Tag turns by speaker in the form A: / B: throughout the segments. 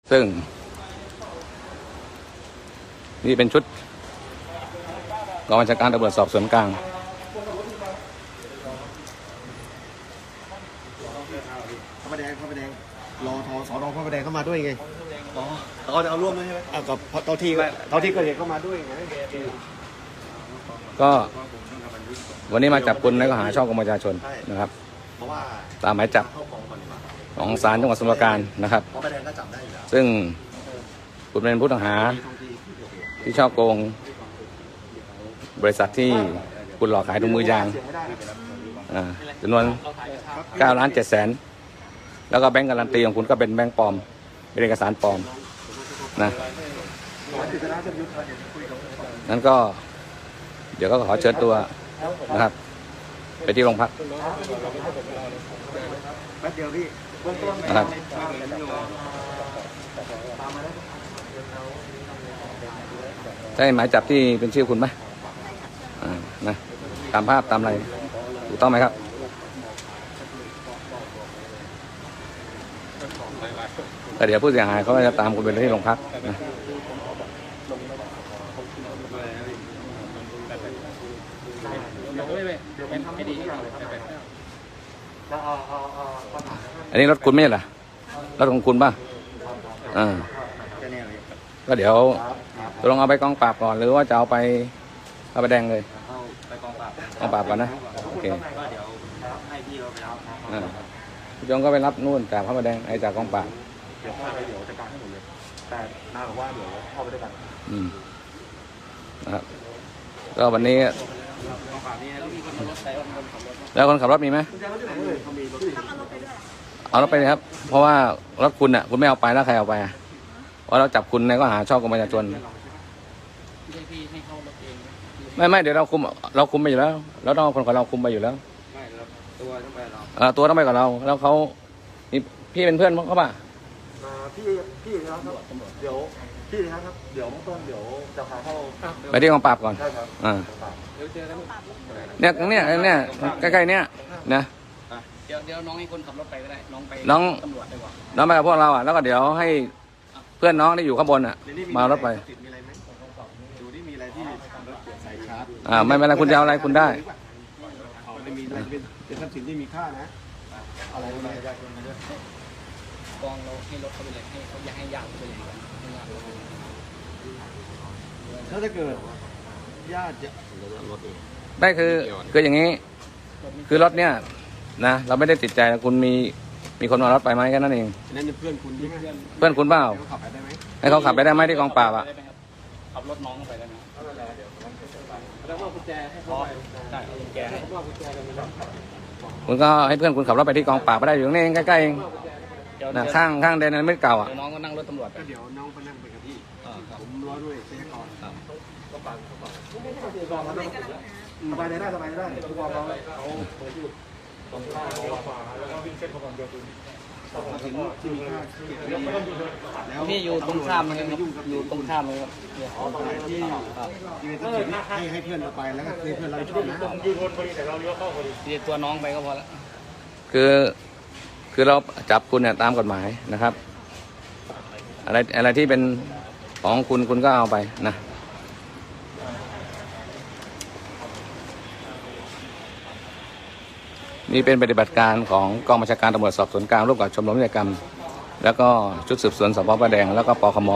A: ซึ่งนี่เป็นชุดกองบัญชาการตำรวจสอบสวนกลาง
B: พระประแดงรอทอสอนอพระประแดงเข้ามาด้วยไงอ๋อเขาจะเอาร่วมด้วยใช่ไหมกับเท่าที่เกิดเหตุเข้ามาด้วยไง
A: ก็วันนี้มาจับกุมในข้อหาช่อกงประชาชนนะครับตามหมายจับของศาลจังหวัดสมุทรปราการนะครับซึ่งคุณเป็นผู้ต้องหาที่ช่อโกงบริษัทที่คุณหลอกขายถุงมือยางจำนวน9,700,000แล้วก็แบงก์การันตีของคุณก็เป็นแบงก์ปลอมเป็นเอกสารปลอมนะนั้นก็เดี๋ยวก็ขอเชิญตัวนะครับไปที่โรงพักนะครับใช่หมายจับที่เป็นชื่อคุณไหมนะตามภาพตามอะไรถูกต้องไหมครับแต่เดี๋ยวผู้เสียหายเขาจะตามคุณไปที่โรงพักนะอันนี้รถคุณไม่ใช่เหรอรถของคุณป่ะก็เดี๋ยวตกลงเอาไปกองปราบก่อนหรือว่าจะเอาไปพระประแดงเลยกองปราบก่อนนะโอเคพี่จงก็ไปรับนู่นจากพระประแดงไอ้จากกองปราบ
B: เดี๋ยวจัดการให้หมดเลยแต่น้าบอกว่าเดี๋ยวเข้าไปด้วยกัน
A: นะครับก็วันนี้แล้วคนขับรถมีไหมเอารถไปเลยครับเพราะว่ารถคุณอ่ะคุณไม่เอาไปแล้วใครเอาไปเพราะเราจับคุณในข้อหาช่อกงประชาชนไม่เดี๋ยวเราคุมไปอยู่แล้วเราต้องเอาคนของเราคุมไปอยู่แล้วตัวต้องไปกับเราแล้วเขาพี่เป็นเพื่อนเขาป่ะ
B: พี่นะครับเดี๋ยวพี่นะครับเดี๋ยวต้นเดี๋ยวจะพาเข้า
A: ไปที่กองปราบก่อน
B: ใช่ครับ
A: เนี่ยใกล้ๆเนี่ยนะ
C: เดี๋ยวน้องให้คนขับรถไปก็ได้น้องไปตำรวจดีกว่า
A: น้องไปกับพวกเราแล้วก็เดี๋ยวให้เพื่อนน้องที่อยู่ข้างบนมารถไป
B: ดูที่มีอะไรที่รถใส่ชาร์จ
A: ไม่เป็นไรคุณจะเอาอะไรคุณได้
B: ไม่มีอะไรเป็นทรัพย์สินที่มีค่านะอะไรก็ได้
C: กองเราให้รถเขาไปเลยให้เขาอยากให้ญาติไปเลย
B: ถ้าเกิดญาติจะ
A: ได้คืออย่างนี้คือรถเนี่ยนะเราไม่ได้ติดใจคุณมีคนมารถไปไหมแค่นั้นเอง
B: นั่นเป็นเพื่อนคุณใช่ไหม
A: เพื่อนคุณเปล่าให้เขาขับไปได้ไหมที่กองปราบ
C: ขับรถน้องไปได้ไหมแล้วว่ากุญแจให้เขาไปได้กุญแจให้
A: คุณก็ให้เพื่อนคุณขับรถไปที่กองปราบไปได้อยู่นี่เองใกล้ๆเองนะข้างเดนนั้นไม่เก่า
C: น้องก็นั่งรถตำรวจ
B: เดี๋ยวน้องไปนั่งไปกับพี่ผมรอด้วยเช็คก่อนก็ปังไปได้สบายได้ทุกวันเขาเปิดอยู่ตรงข้างเขาขวาแล้วก็วิ่งเส้นเขาความเร็วสูงที่มีค่า
C: แล้วพี่อยู่ตรงข้ามเลยครับอยู่ตรงข้ามเลยครับ
B: ที่ให้เพื่อนเราไปแล้วก็เพื่อนเราช่วยนะ
C: ยืนบนพอดีแต่เราเลี้ยวเข้าพอดีตัวน้องไปก็พอแล้ว
A: คือเราจับคุณเนี่ยตามกฎหมายนะครับอะไรที่เป็นของคุณก็เอาไปนะนี่เป็นปฏิบัติการของกองบัญชาการตำรวจสอบสวนกลางร่วมกับชมรมนิติกรรมแล้วก็ชุดสืบสวนสพพระแดงแล้วก็ปคม.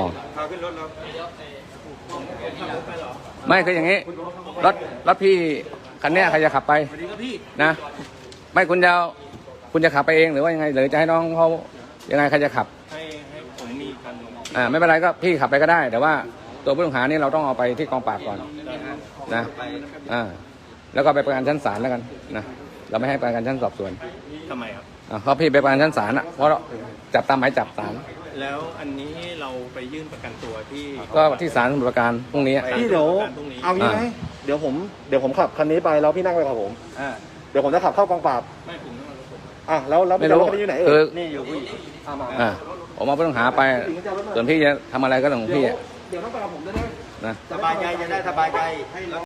A: ไม่คืออย่างนี้รถพี่คันนี้ใครจะขับไปนะไม่คุณจะขับไปเองหรือว่ายังไงหรือจะให้น้องเขายังไงใครจะขับ
C: ให้ผมมี
A: คันไม่เป็นไรก็พี่ขับไปก็ได้แต่ว่าตัวผู้ต้องหานี่เราต้องเอาไปที่กองปราบก่อนนะแล้วก็ไปประกันชั้นศาลแล้วกันนะเราไม่ให้ประกันชั้นสอบสวน
C: ทำไมครับ
A: เพราะพี่ไปประกันชั้นศาลเพราะจับตามหมายจับศาล
C: แล้วอันนี้เราไปยื่นประกันตัว
A: ก็ที่ศาลสมุทรปราการพรุ่งนี้
B: พี่เดี๋ยวเอางี้ไหมเดี๋ยวผมขับคันนี้ไปแล้วพี่นั่งไปกับผมเดี๋ยวผมจะขับเข้ากองปราบ
C: ไม่ผมต้อง
B: แล้วไม่รู้อยู่ไหน
C: นี่อยู่ผู้หญิง
A: ผมเอาผู้ต้องหาไปส่วนพี่จะทำอะไรก็เรื่องของพี่
B: เดี๋ยวต้องไปกับผมด้วยนะ
C: สบายใจจะได้สบายใจ